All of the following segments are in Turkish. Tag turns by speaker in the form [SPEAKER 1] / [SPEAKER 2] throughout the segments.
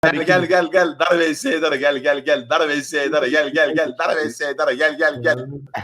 [SPEAKER 1] Gel dar vs dar gel dar vs dar gel dar vs dar gel.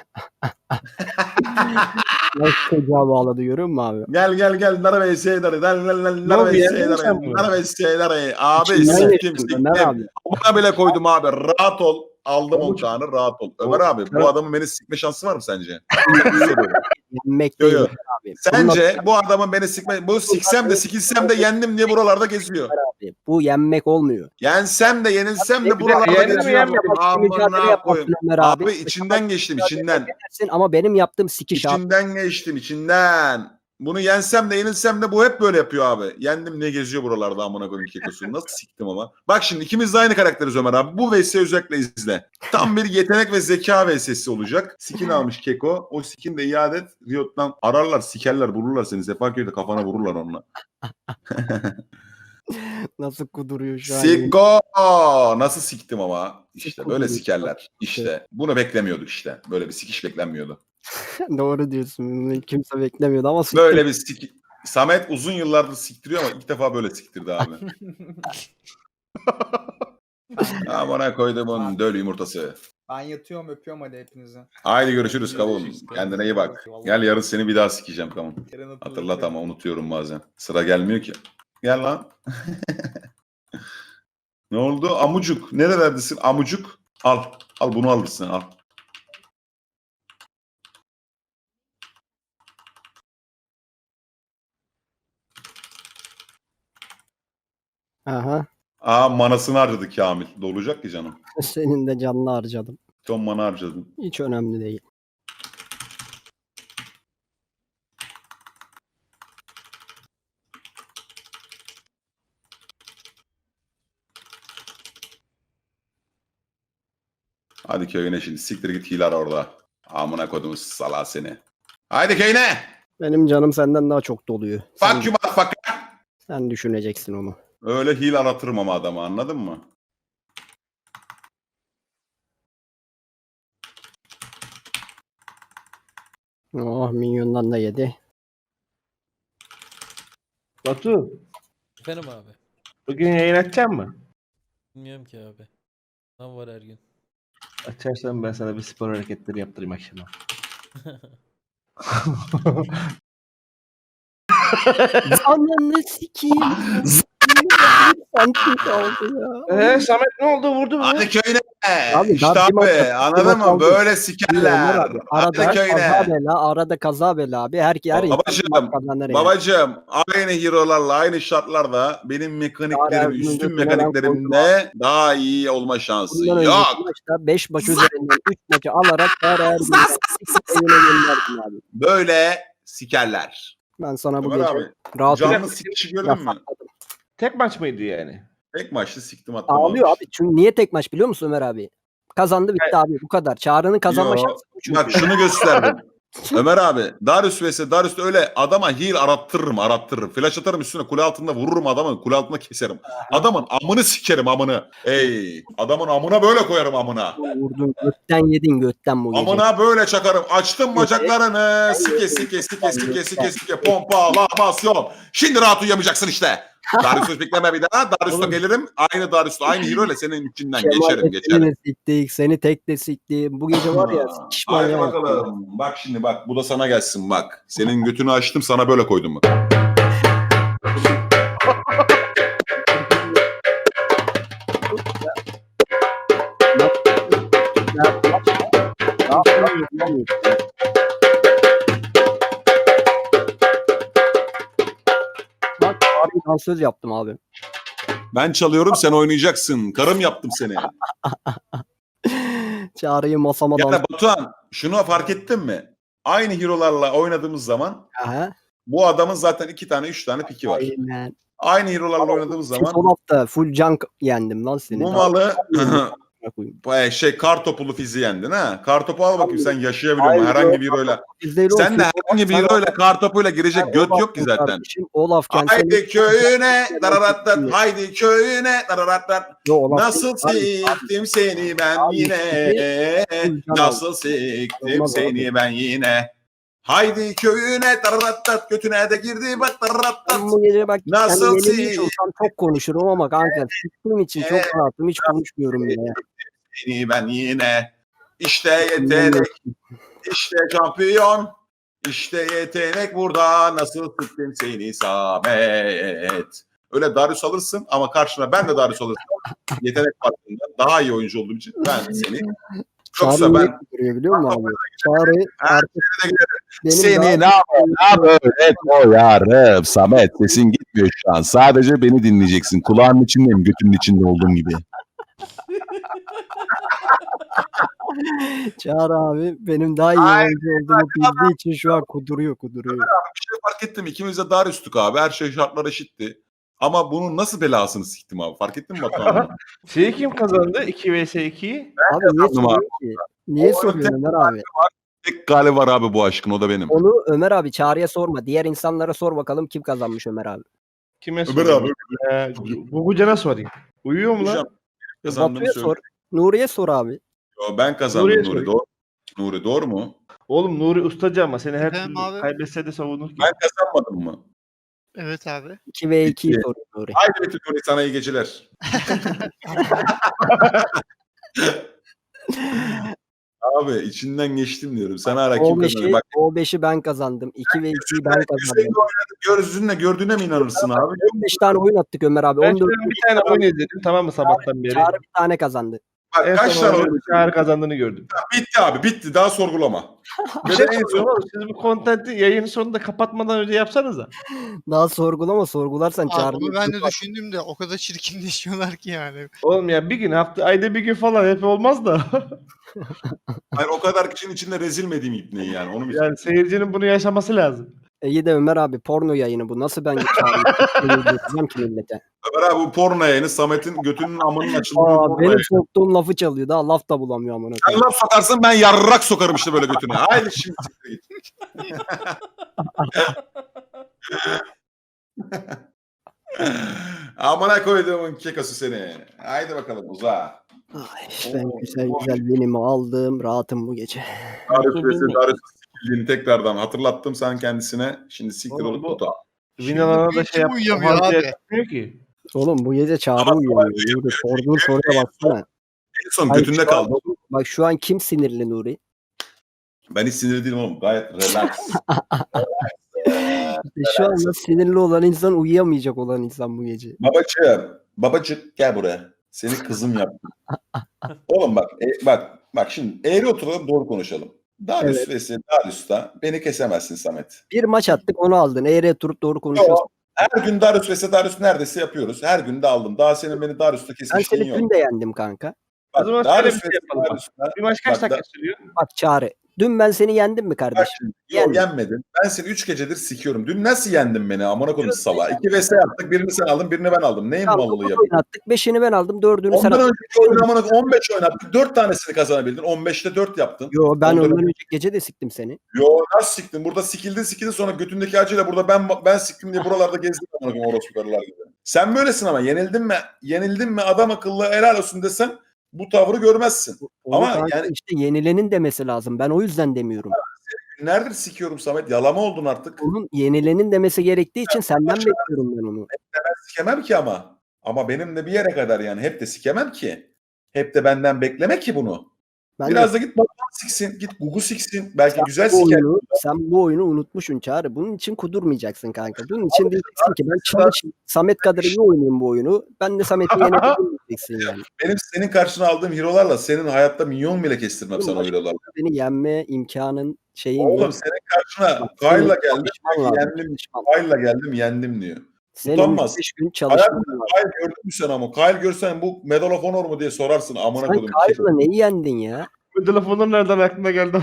[SPEAKER 2] Nasıl çocuğa bağladı görüyor musun abi?
[SPEAKER 1] Gel dar vs dar dar vs dar abi
[SPEAKER 2] İçinden
[SPEAKER 1] siktim
[SPEAKER 2] geçtim Ömer abi.
[SPEAKER 1] Buna bile koydum abi rahat ol. Aldım o kanı rahat ol. Ömer abi bu adamın beni sikme şansı var mı sence?
[SPEAKER 2] Yenmek değil
[SPEAKER 1] Yo.
[SPEAKER 2] abi.
[SPEAKER 1] Sence bu adamın beni sikme... Bu siksem de sikilsem de yendim diye buralarda geziyor.
[SPEAKER 2] Abi, bu yenmek olmuyor.
[SPEAKER 1] Yensem de yenilsem de buralarda geziyor. Amına koyayım. Abi içinden geçtim içinden.
[SPEAKER 2] Ama benim yaptığım sikiş abi.
[SPEAKER 1] İçinden geçtim içinden. Bunu yensem de yenilsem de bu hep böyle yapıyor abi. Yendim ne geziyor buralarda amına koyayım kekosunu. Nasıl siktim ama. Bak şimdi ikimiz de aynı karakteriz Ömer abi. Bu vs özellikle izle. Tam bir yetenek ve zeka vs'si olacak. Skin almış keko. O skin de iade et. Riot'tan ararlar, sikerler, bulurlar seni. Sefaköy'de kafana vururlar onunla.
[SPEAKER 2] Nasıl kuduruyor şu an?
[SPEAKER 1] Siko! Nasıl siktim ama. İşte böyle sikerler. İşte bunu beklemiyorduk işte. Böyle bir sikiş beklenmiyordu.
[SPEAKER 2] Doğru diyorsun. Kimse beklemiyordu ama
[SPEAKER 1] böyle bir sik... Samet uzun yıllardır siktiriyor ama ilk defa böyle siktirdi abi. Amına koyduğumun döl yumurtası.
[SPEAKER 3] Ben yatıyorum öpüyorum hadi hepinize.
[SPEAKER 1] Haydi görüşürüz kavun. Kendine iyi bak. Gel yarın seni bir daha sikeceğim kavun.
[SPEAKER 3] Yarın
[SPEAKER 1] Hatırlat ama unutuyorum bazen. Sıra gelmiyor ki. Gel lan. Ne oldu? Amucuk. Nerelerdesin? Amucuk. Al. Al bunu alırsın al.
[SPEAKER 2] Aha.
[SPEAKER 1] Manasını harcadı Kamil. Dolacak ki canım.
[SPEAKER 2] Senin de canını harcadım.
[SPEAKER 1] Son mana harcadın.
[SPEAKER 2] Hiç önemli değil.
[SPEAKER 1] Hadi köyüne şimdi. Siktir git hile ara orada. Amına kodumuz sala seni. Haydi köyüne.
[SPEAKER 2] Benim canım senden daha çok doluyor.
[SPEAKER 1] Fuck you motherfucker.
[SPEAKER 2] Sen düşüneceksin onu.
[SPEAKER 1] Öyle hile aratırım ama adamı anladın mı?
[SPEAKER 2] Oh minyondan da yedi.
[SPEAKER 4] Batu,
[SPEAKER 5] Efendim abi.
[SPEAKER 4] bugün yayın açacak mı?
[SPEAKER 5] Bilmiyorum ki abi. Ne var her gün?
[SPEAKER 4] Açarsan ben sana bir spor hareketleri yaptırayım akşama.
[SPEAKER 2] Ananı sikeyim. Santim kaldı ya.
[SPEAKER 4] Samet ne oldu vurdu mu?
[SPEAKER 1] Hadi köyüne.
[SPEAKER 2] Abi,
[SPEAKER 1] İşte
[SPEAKER 2] daha bir maç
[SPEAKER 1] abi
[SPEAKER 2] yaptık,
[SPEAKER 1] anladın
[SPEAKER 2] maç
[SPEAKER 1] mı?
[SPEAKER 2] aldık.
[SPEAKER 1] Böyle sikerler.
[SPEAKER 2] Abi,
[SPEAKER 1] Hadi
[SPEAKER 2] arada kaza
[SPEAKER 1] köyüne.
[SPEAKER 2] bela, arada kaza bela abi. Her
[SPEAKER 1] Babacım aynı hero'larla aynı şartlarda benim mekaniklerim üstün mekaniklerimle daha iyi olma şansı yok.
[SPEAKER 2] 5 maç üzerinden 3 maçı alarak her evine gönderdim abi.
[SPEAKER 1] Böyle sikerler.
[SPEAKER 2] Ben sana bu
[SPEAKER 1] Ömer
[SPEAKER 2] gece
[SPEAKER 1] abi,
[SPEAKER 2] rahat
[SPEAKER 1] canlı sikişi gördün mü?
[SPEAKER 4] Tek maç mıydı yani?
[SPEAKER 1] Tek maçlı siktim attım.
[SPEAKER 2] Ağlıyor abi. Çünkü niye tek maç biliyor musun Ömer abi? Kazandı bitti abi bu kadar. Çağrı'nın kazanma
[SPEAKER 1] Yo,
[SPEAKER 2] şansı bu çünkü.
[SPEAKER 1] bak şunu gösterdim. Ömer abi Darius vs Darius öyle adama heal arattırırım. Flash atarım üstüne kule altında vururum adamı kule altında keserim. Adamın amını sikerim amını. Ey adamın amına böyle koyarım amına.
[SPEAKER 2] Vurdun götten yedin götten bu gece.
[SPEAKER 1] Amına böyle çakarım. Açtım bacaklarını. Sike pompalamasyon. Şimdi rahat uyuyamayacaksın işte. Darius'u bekleme bir daha. Darius'la gelirim. Aynı Darius'la aynı hero ile senin içinden geçerim.
[SPEAKER 2] Seni siktik, seni tek de siktik. Bu gece var ya sikişman
[SPEAKER 1] Hadi
[SPEAKER 2] ya.
[SPEAKER 1] bakalım. Bak şimdi bak. Bu da sana gelsin bak. Senin götünü açtım sana böyle koydum bak.
[SPEAKER 2] Bak abi dansöz yaptım abi.
[SPEAKER 1] Ben çalıyorum sen oynayacaksın. Karım yaptım seni.
[SPEAKER 2] Çağrı'yı masama
[SPEAKER 1] Yani Batuhan şunu fark ettin mi? Aynı hero'larla oynadığımız zaman
[SPEAKER 2] Aha.
[SPEAKER 1] bu adamın zaten 2 tane 3 tane piki var.
[SPEAKER 2] Aynen.
[SPEAKER 1] Aynı hero'larla oynadığımız zaman
[SPEAKER 2] Son hafta full junk yendim lan seni.
[SPEAKER 1] bu malı
[SPEAKER 2] Daha-
[SPEAKER 1] kar topulu fizi yendin ha. Kar topu al bakayım sen yaşayabiliyor musun
[SPEAKER 2] Hayır,
[SPEAKER 1] herhangi bir hero'yla.
[SPEAKER 2] Bizde
[SPEAKER 1] Sen de herhangi bir hero'yla kar topuyla girecek göt yok ki zaten.
[SPEAKER 2] Kardeşim, Olaf kendisi.
[SPEAKER 1] Haydi köyüne dararattat, haydi köyüne dararattat. Nasıl siktim seni ben yine, nasıl siktim seni ben yine. Haydi köyüne tararattat götüne de girdi bak
[SPEAKER 2] Ben
[SPEAKER 1] tararattat.
[SPEAKER 2] bu gece bak
[SPEAKER 1] Nasıl
[SPEAKER 2] yani yenilmiş
[SPEAKER 1] si-
[SPEAKER 2] olsam çok konuşurum ama kanka sıktığım için çok rahatım. Hiç konuşmuyorum bile.
[SPEAKER 1] Seni ben yine işte yetenek işte şampiyon işte yetenek burada nasıl sıktım seni Samet. Öyle Darius alırsın ama karşına ben de Darius alırsam yetenek farkında daha iyi oyuncu olduğum için ben seni
[SPEAKER 2] Çağrı
[SPEAKER 1] yoksa ben
[SPEAKER 2] duruyor biliyor musun abi? Çağrı artık benim
[SPEAKER 6] Seni
[SPEAKER 2] daha-
[SPEAKER 6] ne böyle koyarım Samet, sesin gitmiyor şu an. Sadece beni dinleyeceksin. Kulağının içindeyim, götünün içinde olduğum gibi.
[SPEAKER 2] Çağrı abi benim daha iyi oyuncu olduğumu bildiği için şu an kuduruyor.
[SPEAKER 1] bir şey fark ettim. İkimiz de Darius'tuk abi. Her şey şartlar eşitti. Ama bunun nasıl belasını siktim abi. Fark ettin mi Batuhan?
[SPEAKER 4] Şeyi kim kazandı? 2 vs 2'yi.
[SPEAKER 2] Abi niye
[SPEAKER 1] kazandım abi.
[SPEAKER 2] soruyor ki? Niye
[SPEAKER 1] O
[SPEAKER 2] soruyor
[SPEAKER 1] öte-
[SPEAKER 2] Ömer abi?
[SPEAKER 1] Tek gali var abi bu aşkın, o da benim.
[SPEAKER 2] Onu Ömer abi Çağrı'ya sorma. Diğer insanlara sor bakalım kim kazanmış Ömer abi.
[SPEAKER 4] Kime
[SPEAKER 1] Ömer
[SPEAKER 4] sorayım?
[SPEAKER 1] abi.
[SPEAKER 4] Gugucan'a sorayım. Uyuyor mu lan?
[SPEAKER 1] Hocam, kazandığımı
[SPEAKER 2] Batu'ya
[SPEAKER 1] söyle.
[SPEAKER 2] sor. Nuri'ye sor abi.
[SPEAKER 1] Yo, ben kazandım
[SPEAKER 4] Nuri'ye
[SPEAKER 1] Nuri.
[SPEAKER 4] sorayım.
[SPEAKER 1] Doğru. Nuri doğru mu?
[SPEAKER 4] Oğlum Nuri ustacı ama seni her
[SPEAKER 7] Efendim
[SPEAKER 4] türlü
[SPEAKER 7] abi?
[SPEAKER 4] kaybetse de savunur ki.
[SPEAKER 1] Ben kazanmadım mı?
[SPEAKER 7] Evet abi.
[SPEAKER 2] 2 ve 2'yi
[SPEAKER 1] İki.
[SPEAKER 2] soruyor Nuri.
[SPEAKER 1] Haydi Betül Nuri, sana iyi geceler. Abi içinden geçtim diyorum. Sana ara kim kazanır? Bak
[SPEAKER 2] O 5'i ben kazandım. 2 ve 2'yi ben kazandım.
[SPEAKER 1] Hüseyin oynadı. Gözünle gördüğüne mi inanırsın abi?
[SPEAKER 2] 15 tane oyun attık Ömer abi.
[SPEAKER 4] Ben
[SPEAKER 2] 14
[SPEAKER 4] şöyle bir tane oyun izledim tamam mı sabahtan beri.
[SPEAKER 2] Çağrı bir tane kazandı.
[SPEAKER 1] Bak
[SPEAKER 4] En
[SPEAKER 1] kaç
[SPEAKER 4] son
[SPEAKER 1] tane
[SPEAKER 4] oyunu
[SPEAKER 1] oyun?
[SPEAKER 4] Çağrı kazandığını gördüm.
[SPEAKER 1] Bitti abi, bitti. Daha sorgulama.
[SPEAKER 4] Bir
[SPEAKER 1] Ve
[SPEAKER 4] şey
[SPEAKER 1] de en
[SPEAKER 4] soruyorum
[SPEAKER 1] son
[SPEAKER 4] oğlum. Siz bu kontenti yayının sonunda kapatmadan önce yapsanıza.
[SPEAKER 2] Daha sorgulama sorgularsan
[SPEAKER 7] Abi
[SPEAKER 2] Çağrı.
[SPEAKER 7] onu ben de düşündüm de o kadar çirkinleşiyorlar ki yani.
[SPEAKER 4] Oğlum ya bir gün ayda bir gün falan hep olmaz da.
[SPEAKER 1] hayır, o kadar kişinin içinde rezil mi edeyim ipneyi yani? Onu mu?
[SPEAKER 4] Yani seyircinin bunu yaşaması lazım.
[SPEAKER 2] İyi de Ömer abi porno yayını bu. Nasıl ben Çağrı'yı getireceğim ki millete?
[SPEAKER 1] Ömer abi bu porno yayını Samet'in götünün amının açıldığı bir
[SPEAKER 2] Aa,
[SPEAKER 1] porno
[SPEAKER 2] benim
[SPEAKER 1] yayını.
[SPEAKER 2] soktuğum lafı çalıyor. Daha laf da bulamıyor amına
[SPEAKER 1] Sen
[SPEAKER 2] koyayım.
[SPEAKER 1] laf sokarsın, ben yarrak sokarım işte böyle götüne. Haydi şimdi siktir git. Amına koyduğumun kekosu seni. Haydi bakalım uza.
[SPEAKER 2] Ay, ben güzel güzel benimi aldım. Rahatım bu gece.
[SPEAKER 1] Darius sikildiğini tekrardan hatırlattım sen kendisine. Şimdi siktir
[SPEAKER 4] Oğlum
[SPEAKER 1] olup
[SPEAKER 4] bu-
[SPEAKER 1] tuta.
[SPEAKER 4] Vinalana da
[SPEAKER 7] Hiç
[SPEAKER 4] şey yap.
[SPEAKER 7] uyuyamıyor
[SPEAKER 4] o halde
[SPEAKER 7] abi.
[SPEAKER 4] yapmıyor ki.
[SPEAKER 2] Oğlum bu gece Çağrı
[SPEAKER 1] Ama
[SPEAKER 2] uyuyamıyor. Nuri sorduğun soruya baksana.
[SPEAKER 1] En son
[SPEAKER 2] Hayır,
[SPEAKER 1] götünde
[SPEAKER 2] şu an-
[SPEAKER 1] kaldı.
[SPEAKER 2] Bak şu an kim sinirli Nuri?
[SPEAKER 1] Ben hiç sinirli değilim oğlum. Gayet relax.
[SPEAKER 2] İşte şu anda sinirli olan insan uyuyamayacak olan insan bu gece.
[SPEAKER 1] Babacık gel buraya. Seni kızım yaptım. Oğlum bak şimdi eğri oturalım, doğru konuşalım. Darius vs. Darius'ta beni kesemezsin Samet.
[SPEAKER 2] Bir maç attık onu aldın. Eğri oturup doğru konuşuyorsun.
[SPEAKER 1] Her gün Darius vs. Darius neredeyse yapıyoruz. Her gün de aldım. Daha senin beni Darius'ta
[SPEAKER 2] Ben
[SPEAKER 1] kesmişliğin
[SPEAKER 2] seni
[SPEAKER 1] yok.
[SPEAKER 2] dün de yendim kanka.
[SPEAKER 4] O zaman
[SPEAKER 1] Bak,
[SPEAKER 4] şöyle
[SPEAKER 1] Darius
[SPEAKER 4] bir şey
[SPEAKER 1] vs.
[SPEAKER 4] yapalım bak.
[SPEAKER 1] Darius'ta
[SPEAKER 4] Bir maç kaç
[SPEAKER 1] Bak,
[SPEAKER 4] dakika
[SPEAKER 1] da-
[SPEAKER 4] sürüyor?
[SPEAKER 2] Bak Çağrı. Dün ben seni yendim mi
[SPEAKER 1] bak
[SPEAKER 2] kardeşim?
[SPEAKER 1] şimdi.
[SPEAKER 2] Yendim.
[SPEAKER 1] Yenmedin. Ben seni 3 gecedir sikiyorum. Dün nasıl yendin beni? Amına koyayım sala. 2 vs. yaptık. Birini sen aldın, birini ben aldım. Neyin
[SPEAKER 2] Tamam,
[SPEAKER 1] mallığı
[SPEAKER 2] 9
[SPEAKER 1] yapıyorsun?
[SPEAKER 2] oyun attık. 5'ini ben aldım. 4'ünü sen
[SPEAKER 1] Ondan
[SPEAKER 2] aldın.
[SPEAKER 1] önceki oyunu amına koyayım 15 oynattık. 4 tanesini kazanabildin. 15'te 4 yaptın.
[SPEAKER 2] Yo ben
[SPEAKER 1] Ondan
[SPEAKER 2] ondan önceki gece de siktim seni.
[SPEAKER 1] Yo nasıl siktin? Burada sikildin sonra götündeki acıyla burada ben siktim diye buralarda gezdim amına koyayım orospu karılar gibi. Sen böylesin ama yenildin mi adam akıllı helal olsun desen bu tavrı görmezsin.
[SPEAKER 2] Onu
[SPEAKER 1] Ama
[SPEAKER 2] kanka
[SPEAKER 1] yani-
[SPEAKER 2] işte yenilenin demesi lazım. Ben o yüzden demiyorum.
[SPEAKER 1] Günlerdir sikiyorum Samet. Yalama oldun artık.
[SPEAKER 2] Onun yenilenin demesi gerektiği için senden bekliyorum ben onu.
[SPEAKER 1] Sikemem ki ama. Ama benim de bir yere kadar yani. Hep de sikemem ki. Hep de benden bekleme ki bunu.
[SPEAKER 2] Ben
[SPEAKER 1] Biraz da git Batuhan siksin. Git Gugu siksin. Belki güzel
[SPEAKER 2] bu
[SPEAKER 1] siker.
[SPEAKER 2] oyunu, sen bu oyunu unutmuşsun Çağrı. Bunun için kudurmayacaksın kanka. Bunun için diyeceksin ki ben çalışayım. Samet kadar iyi oynayayım bu oyunu. Ben de Samet'i yenebilirim diyeceksin yani.
[SPEAKER 1] Benim senin karşına aldığım hero'larla senin hayatta milyon bile kestirmem sana o hero'larla.
[SPEAKER 2] Beni yenme imkanın şeyin
[SPEAKER 1] Oğlum
[SPEAKER 2] yok.
[SPEAKER 1] senin karşına
[SPEAKER 2] Bak,
[SPEAKER 1] Kyle'la
[SPEAKER 2] senin
[SPEAKER 1] geldim.
[SPEAKER 2] çalışman lazım,
[SPEAKER 1] Yendim.
[SPEAKER 2] çalışman.
[SPEAKER 1] Kyle'la geldim yendim diyor.
[SPEAKER 2] Senin
[SPEAKER 1] Utanmaz.
[SPEAKER 2] 5 gün çalışman
[SPEAKER 1] Hayatımda
[SPEAKER 2] lazım.
[SPEAKER 1] Kyle gördün mü sen ama? Kyle görsen bu Medal of Honor mu diye sorarsın amına
[SPEAKER 2] Sen
[SPEAKER 1] koydum.
[SPEAKER 2] Kyle'la neyi yendin ya?
[SPEAKER 4] Bu telefonun nereden aklına geldi?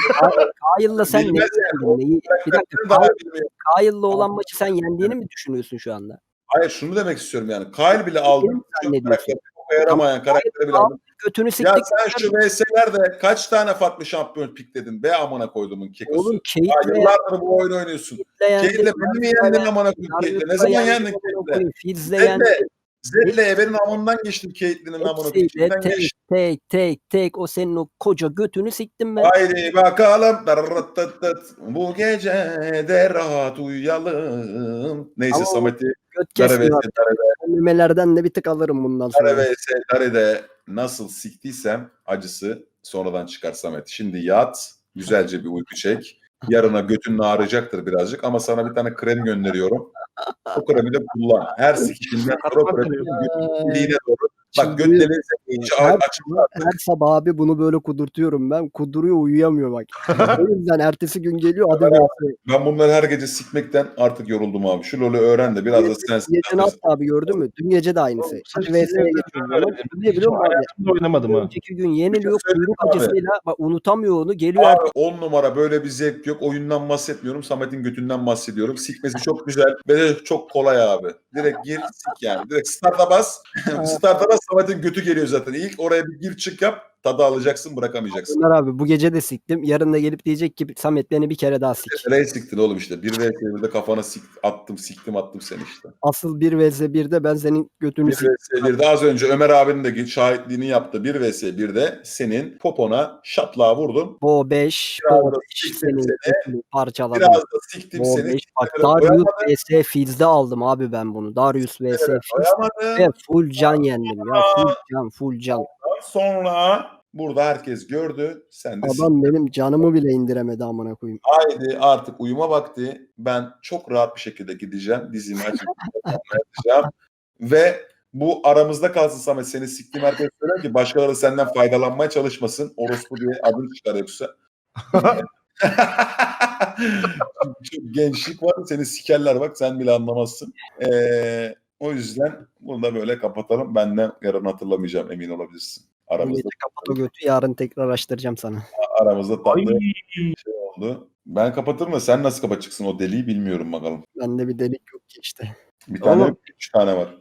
[SPEAKER 2] Kyle'la sen neyi
[SPEAKER 1] Bilmez
[SPEAKER 2] yendin? Neyi? Bir dakika
[SPEAKER 1] Daha
[SPEAKER 2] Kyle-
[SPEAKER 1] bilmiyorum.
[SPEAKER 2] Kyle'la olan maçı sen yendiğini mi düşünüyorsun şu anda?
[SPEAKER 1] Hayır şunu demek istiyorum yani. Kyle bile aldım.
[SPEAKER 2] Benim
[SPEAKER 1] Çok
[SPEAKER 2] zannediyorsun.
[SPEAKER 1] karakteri çok yaramayan karakteri bile aldım.
[SPEAKER 2] Götünü
[SPEAKER 1] Ya
[SPEAKER 2] siktik.
[SPEAKER 1] sen şu VS'lerde kaç tane farklı şampiyon pikledin be amına koyduğumun kekosu.
[SPEAKER 2] Oğlum
[SPEAKER 1] Ya
[SPEAKER 2] Kate'le
[SPEAKER 1] yıllardır bu oyunu oynuyorsun.
[SPEAKER 2] yendin.
[SPEAKER 1] Kate'le beni mi yendin amına koyayım? Kate'le ne zaman yendin Kate'le?
[SPEAKER 2] Fizz'le
[SPEAKER 1] Kate'le
[SPEAKER 2] yendin.
[SPEAKER 1] Zed'le Eber'in amından geçtim Caitlyn'in amına koyayım.
[SPEAKER 2] Hepsiyle
[SPEAKER 1] İçinden
[SPEAKER 2] tek
[SPEAKER 1] geçtim.
[SPEAKER 2] tek tek tek o senin o koca götünü siktim ben.
[SPEAKER 1] Haydi bakalım. Bu gece de rahat uyuyalım. Neyse
[SPEAKER 2] Ama
[SPEAKER 1] Samet'i
[SPEAKER 2] Göt
[SPEAKER 1] Dare
[SPEAKER 2] kesmiyor.
[SPEAKER 1] vs. Dare'de,
[SPEAKER 2] Memelerden de bir tık alırım bundan sonra.
[SPEAKER 1] Dare vs. Dare'de nasıl siktiysem acısı sonradan çıkar Samet. Şimdi yat, güzelce bir uyku çek. Yarına götün ağrıyacaktır birazcık ama sana bir tane krem gönderiyorum. O kremi de kullan. Her sikişinden sonra o kremi götün deliğine doğru. Bak göt deliğine iyice açıklar.
[SPEAKER 2] Her sabah abi bunu böyle kudurtuyorum ben. Kuduruyor uyuyamıyor bak. O yüzden ertesi gün geliyor hadi versin.
[SPEAKER 1] Ben bunları her gece sikmekten artık yoruldum abi. Şu LoL'ü öğren de biraz da sen
[SPEAKER 2] Gece ne yaptı abi gördün mü? Dün gece de aynısı. Hadi VS'ye geçiyor. Ne biliyor musun abi?
[SPEAKER 4] Hayatımda oynamadım ha.
[SPEAKER 2] Önceki gün yeniliyor
[SPEAKER 1] söyleyeyim
[SPEAKER 2] kuyruk
[SPEAKER 1] abi.
[SPEAKER 2] acısıyla bak unutamıyor onu geliyor
[SPEAKER 1] Abi 10 numara böyle bir zevk yok. Oyundan bahsetmiyorum. Samet'in götünden bahsediyorum. Sikmesi çok güzel ve de çok kolay abi. Direkt gir sik yani. Direkt start'a bas. Start'a bas Samet'in götü geliyor zaten. İlk oraya bir gir çık yap. Tadı alacaksın bırakamayacaksın.
[SPEAKER 2] Ömer abi bu gece de siktim. Yarın da gelip diyecek ki Samet beni bir kere daha sik.
[SPEAKER 1] Nereye siktin oğlum işte. Bir vs 1'de kafana attım seni işte.
[SPEAKER 2] Asıl 1 vs 1'de ben senin götünü
[SPEAKER 1] Bir
[SPEAKER 2] sik.
[SPEAKER 1] vs 1'de az önce Ömer abinin de şahitliğini yaptı. Bir vs 1'de senin popona şaplığa vurdum.
[SPEAKER 2] Bo 5,
[SPEAKER 1] Biraz
[SPEAKER 2] Bo
[SPEAKER 1] da
[SPEAKER 2] 5
[SPEAKER 1] siktim
[SPEAKER 2] senin
[SPEAKER 1] seni.
[SPEAKER 2] götünü parçaladım.
[SPEAKER 1] Biraz da siktim
[SPEAKER 2] Bo
[SPEAKER 1] seni.
[SPEAKER 2] 5 bak
[SPEAKER 1] Kimselere
[SPEAKER 2] Darius
[SPEAKER 1] doyamadım.
[SPEAKER 2] vs Fizz'de aldım abi ben bunu. Darius vs Fizz
[SPEAKER 1] Doyamadım.
[SPEAKER 2] ve full can yendim ya. Full can.
[SPEAKER 1] Sonra burada herkes gördü. Sen de
[SPEAKER 2] Adam benim canımı bile indiremedi amına koyayım.
[SPEAKER 1] haydi artık uyuma vakti. Ben çok rahat bir şekilde gideceğim. Dizimi açıp yatacağım. Ve bu aramızda kalsın Samet. Seni siktiğim herkes söyler ki başkaları senden faydalanmaya çalışmasın. Orospu diye adın çıkar yoksa. Çok gençlik var. Seni sikerler bak. Sen bile anlamazsın. O yüzden bunu da böyle kapatalım. Benden yarın hatırlamayacağım emin olabilirsin.
[SPEAKER 2] Bu
[SPEAKER 1] Aramızda
[SPEAKER 2] gece kapat o götü yarın tekrar açtıracağım sana.
[SPEAKER 1] tatlı şey oldu. Ben kapatırım da sen nasıl kapatacaksın o deliği bilmiyorum bakalım.
[SPEAKER 2] Bende bir delik yok ki işte.
[SPEAKER 1] Bir tane
[SPEAKER 4] Oğlum.
[SPEAKER 1] 3 tane var.